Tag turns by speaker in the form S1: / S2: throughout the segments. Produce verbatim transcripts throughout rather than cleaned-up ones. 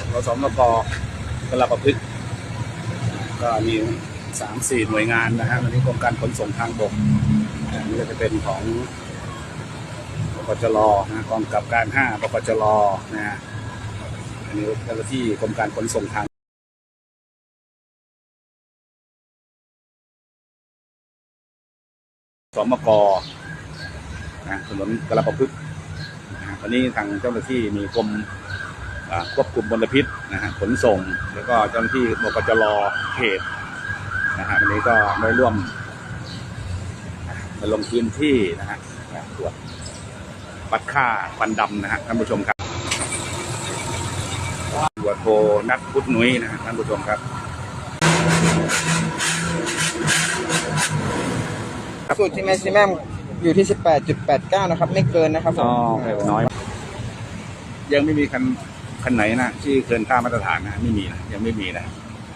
S1: ขสมกกระประพฤกษ์ก็มีสามสี่หน่วยงานนะฮะวันนี้กรมการขนส่งทางบกอันนี้ก็จะเป็นของบกจรนะกองกับการห้าบกจรนะฮะอันนี้เจ้าหน้าที่กรมการขนส่งทางสมกนะถนนกระประพฤกษ์วันนี้ทางเจ้าหน้าที่มีกรมควบคุมมลพิษนะฮะขนส่งแล้วก็เจ้าหน้าที่บกจรเขตนะฮะวันนี้ก็ได้ร่วมมาลงพื้นที่นะฮะตรวจวัดค่าควันดำนะฮะท่านผู้ชมครับตรวจโทนัทพุทธนุ้ยนะฮะท่านผู้ชมครับ
S2: สูตรที่แม็กซิมัมอยู่ที่ สิบแปดจุดแปดเก้า นะครับไม่เกินนะครับผม
S1: อ๋อน้อยยังไม่มีคันคันไหนนะที่เกินค่ามาตรฐานนะไม่มีนะยังไม่มีนะ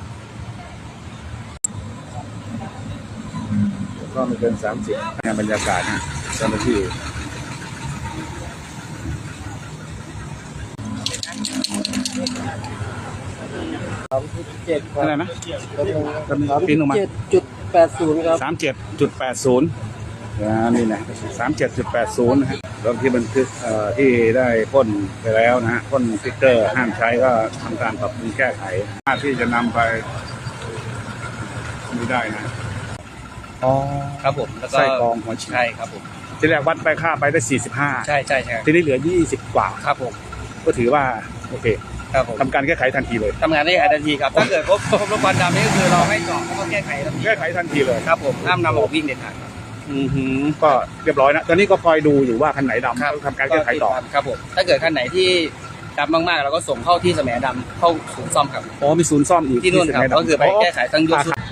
S1: ก็ไม่เกินสามสิบบรรยากาศนะเจ้าหน้าที่
S2: เจ็ด
S1: อะไรนะปีนลงมา
S2: เจ็ดจุดแปดศูนย์ครับ
S1: สามเจ็ดจุดแปดศูนย์นี่นะสามเจ็ดจุดแปดศูนย์นะฮะรถที่บันทึกที่ได้พ่นไปแล้วนะฮะพ่นสติ๊กเกอร์ห้ามใช้ก็ทำการปรับปรุงแก้ไขที่จะนำไปไม่ได้นะอ๋อ
S3: ครับผมแล้วก็
S1: ไส้กรองหัวฉีด
S3: ใช่ครับผม
S1: ที่แรกวัดไปค่าไปได้สี่สิบห้า
S3: ใช่ใช่ใช่
S1: ทีนี้เหลือยี่สิบกว่า
S3: ครับผม
S1: ก็ถือว่าโอเค
S3: ครับผม
S1: ทำการแก้ไขทันทีเลย
S3: ทำงานได้ทันทีครับถ้าเกิดพบพบรถควันดำนี่ก็คือเราให้จอดแล้วก็แก้ไขทันที
S1: แก้ไขทันทีเลย
S3: ครับผมห้ามนำออกวิ่งเด็ดขาด
S1: อือหือก็เรียบร้อยนะตอนนี้ก็คอยดูอยู่ว่าคันไหนดำทำการแก้ไขต่อ
S3: ครับผมถ้าเกิดคันไหนที่ดำมากๆเราก็ส่งเข้าที่แสมดำเข้าศูนย์ซ่อมครับ
S1: อ๋อมีศูนย์ซ่อมอีก
S3: ที่นู่นครับก็คือไปแก้ไขทั้งยก